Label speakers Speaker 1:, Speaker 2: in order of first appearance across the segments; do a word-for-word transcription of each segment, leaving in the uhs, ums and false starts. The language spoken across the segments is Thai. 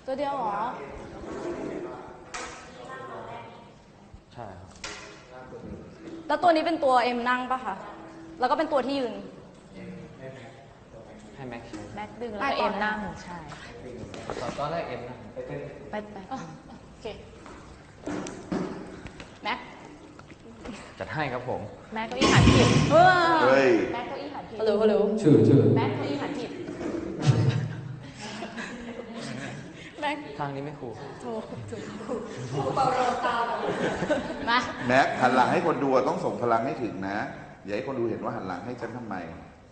Speaker 1: ตัวเดียวเหรอ
Speaker 2: ใช่ครับ
Speaker 1: แล้วตัวนี้เป็นตัวเอ็มนั่งปะคะแล้วก็เป็นตัวที่ยืน
Speaker 2: ให้แม็กซ์
Speaker 3: แม็กดึงแล้วเอ็มนั่งใช่
Speaker 2: ตอนแรกเอ็มนั่งไปเป็น
Speaker 3: ไปไป
Speaker 1: โอเคแม็ก
Speaker 2: จัดให้ครับผม
Speaker 3: แม็กเก้าอี้หันผิด
Speaker 4: เฮ้ย
Speaker 3: แม็กเก้าอี้หันผิด
Speaker 1: ฮัลโหลฮัลโหล
Speaker 2: ชื่อชื่อ
Speaker 3: แม็กเก้าอี้หันผิด
Speaker 1: แม็ก
Speaker 2: ทางนี้ไม่คูล
Speaker 1: โถถูกเบาโรตามา
Speaker 4: แม็กหันหลังให้คนดูต้องส่งพลังให้ถึงนะอย่าให้คนดูเห็นว่าหันหลังให้ฉันทำไม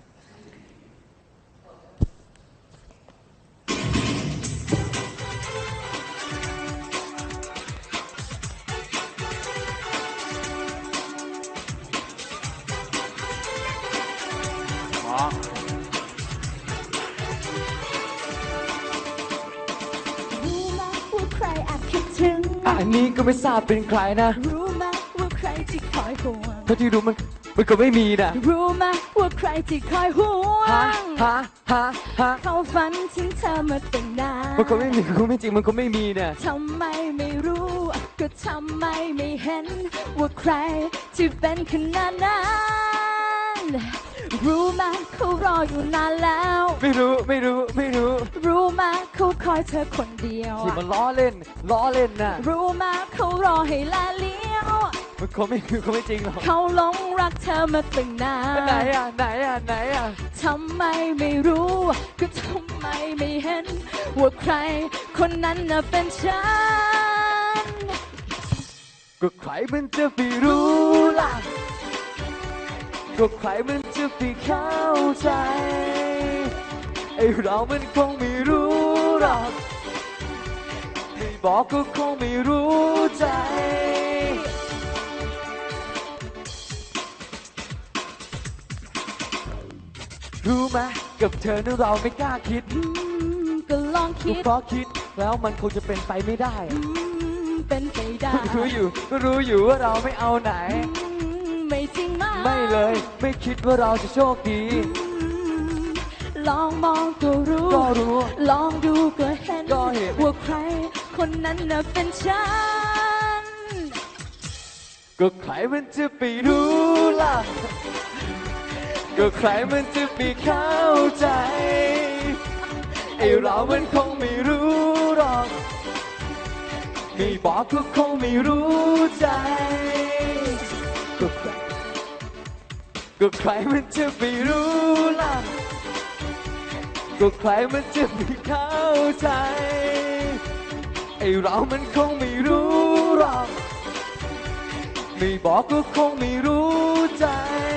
Speaker 2: อันนี้ก็ไม่ทราบเป็นใครนะ
Speaker 5: รู้ไหมว่าใครที่คอยห่วง
Speaker 2: เท่าที่รู้มันมันก็ไม่มีนะ
Speaker 5: รู้ไหมว่าใครที่คอยห่วง
Speaker 2: ฮะฮะฮะฮะ
Speaker 5: เขาฝันถึงเธอมาตั้งนาน
Speaker 2: มันก็ไม่มีก็ไม่จริงมันก็ไม่มีนะ
Speaker 5: ทำไมไม่รู้ก็ทำไมไม่เห็นว่าใครที่เป็นขนาดนั้นรู้ไหมเขารออยู่นานแล้ว
Speaker 2: ไม่รู้ไม่รู้ไม่รู้
Speaker 5: รู้ไหมเขาคอยเธอคนเดียว
Speaker 2: ที่มันล้อเล่นล้อเล่นน่ะ
Speaker 5: รู้ไหมเขารอให้ลาเลี้ยว
Speaker 2: มันเขาไม่เขาไม่จริงหรอก
Speaker 5: เขาหลงรักเธอมาตั้งนาน
Speaker 2: ไหนอ่ะไหนอ่ะไหนอ่ะ
Speaker 5: ทำไมไม่รู้ก็ทำไมไม่เห็นว่าใครคนนั้นน่ะเป็นฉัน
Speaker 2: ก็ใครมันจะไปรู้ล่ะก็ใครมันจะไปเข้าใจไอ้เรามันคงไม่รู้หรอกไม่บอกก็คงไม่รู้ใจรู้ไหมกับเธอนั้นเราไม่กล้าคิด
Speaker 5: ก็ลองคิด
Speaker 2: เพราะคิดแล้วมันคงจะเป็นไปไม่ได้
Speaker 5: เป็นไปได้
Speaker 2: รู้อยู่ก็รู้อยู่ว่าเราไม่เอาไหน
Speaker 5: ไม่จริงมาก
Speaker 2: ไม่เลยไม่คิดว่าเราจะโชคดี
Speaker 5: ลองมองก็รู้
Speaker 2: ก็รู้
Speaker 5: ลองดูก็เห็น
Speaker 2: ก็เห็น
Speaker 5: ว่าใครคนนั้นน่ะเป็นฉัน
Speaker 2: ก็ใครมันจะไปรู้ล่ะก็ใครมันจะไปเข้าใจไอ้เรามันคงไม่รู้หรอกไม่บอกก็คงไม่รู้ใจก็ใครก็ใครมันจะไปรู้ล่ะก็ใครมันจะไปเข้าใจไอ้เรามันคงไม่รู้หรอกไม่บอกก็คงไม่รู้ใจ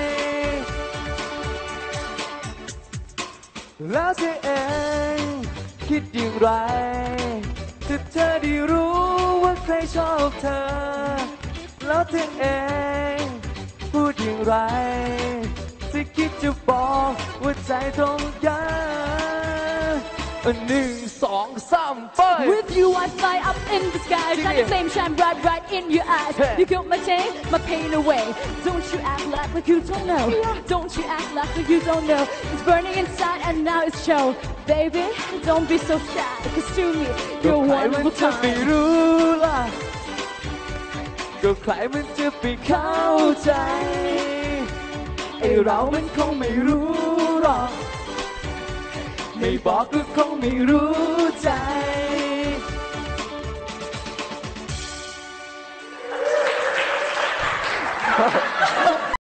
Speaker 2: แล้วเธอเองคิดอย่างไรถ้าเธอได้รู้ว่าใครชอบเธอแล้วเธอเองพูดอย่างไรจะคิดจะบอกว่าใจตรงกันหนึ่งสองสามไป
Speaker 5: With you I fly up in the sky Got the same shine bright right in your eyes You killed my pain my pain away Don't you act like like you don't know Don't you act like like you don't know It's burning inside and now it's show Baby don't be so shy Cause to me you're one of a kind
Speaker 2: ก็ใครมันจะไปรู้ล่ะก็ใครมันจะไปเข้าใจไอ้เรามันคงไม่รู้หรอกไม่บอกก็คงไม่รู้ใจ